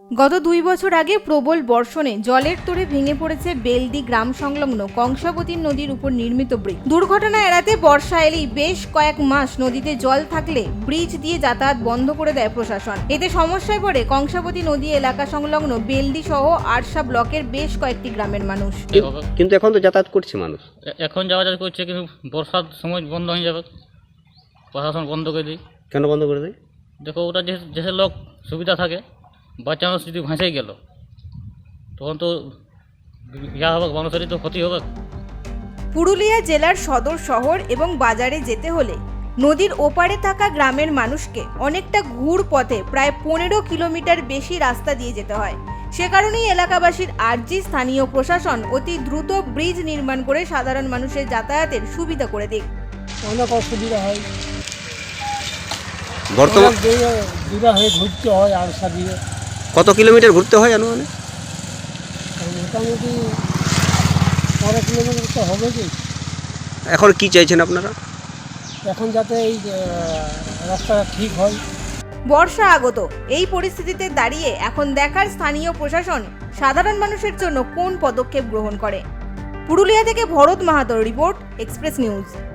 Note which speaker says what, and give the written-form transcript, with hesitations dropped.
Speaker 1: গত 2 বছর আগে প্রবল বর্ষণে জলের তোড়ে ভেঙে পড়েছে বেলদি গ্রাম সংলগ্ন কংসাবতী নদীর উপর নির্মিত ব্রিজ। দুর্ঘটনা এড়াতে বর্ষা এলেই বেশ কয়েক মাস নদীতে জল থাকলে ব্রিজ দিয়ে যাতায়াত বন্ধ করে দেয় প্রশাসন। এতে সমস্যায় পড়ে কংসাবতী নদী এলাকা সংলগ্ন বেলদি সহ আরশা ব্লকের বেশ কয়েকটি গ্রামের মানুষ।
Speaker 2: কিন্তু এখন তো যাতায়াত করছে মানুষ।
Speaker 3: এখন যাওয়া যাওয়া করছে, কিন্তু বর্ষার সময় বন্ধ হয়ে যাবে, প্রশাসন বন্ধ করে দিই।
Speaker 2: কেন বন্ধ করে দেয়?
Speaker 3: দেখো, ওটা যে লোক সুবিধা থাকে, বাচ্চা মানুষ যদি ভাসেই গেল তখন তো ইয়া হবে, মানুষেরই তো ক্ষতি হবে।
Speaker 1: পুরুলিয়া জেলার সদর শহর এবং বাজারে যেতে হলে নদীর ওপারে থাকা গ্রামের মানুষকে অনেকটা ঘুর পথে প্রায় 15 কিলোমিটার বেশি রাস্তা দিয়ে যেতে হয়। সে কারণেই এলাকাবাসীর আর্জি স্থানীয় প্রশাসন অতি দ্রুত ব্রিজ নির্মাণ করে সাধারণ মানুষের যাতায়াতের সুবিধা করে দিক।
Speaker 4: অনেক অসুবিধা হয়,
Speaker 2: বর্তমান
Speaker 4: দূরে হয়ে ঘুরতে হয় আরশা দিয়ে।
Speaker 2: কত কিলোমিটার ঘুরতে হয় আনুমানিক?
Speaker 4: মোটামুটি 12 কিলোমিটার তো হবে কি।
Speaker 2: এখন কি চাইছেন আপনারা?
Speaker 4: এখন যাতে এই রাস্তাটা ঠিক হয়।
Speaker 1: বর্ষা আগত, এই পরিস্থিতিতে দাঁড়িয়ে এখন দেখার স্থানীয় প্রশাসন সাধারণ মানুষের জন্য কোন পদক্ষেপ গ্রহণ করে। পুরুলিয়া থেকে ভরত মাহাতোর রিপোর্ট, এক্সপ্রেস নিউজ।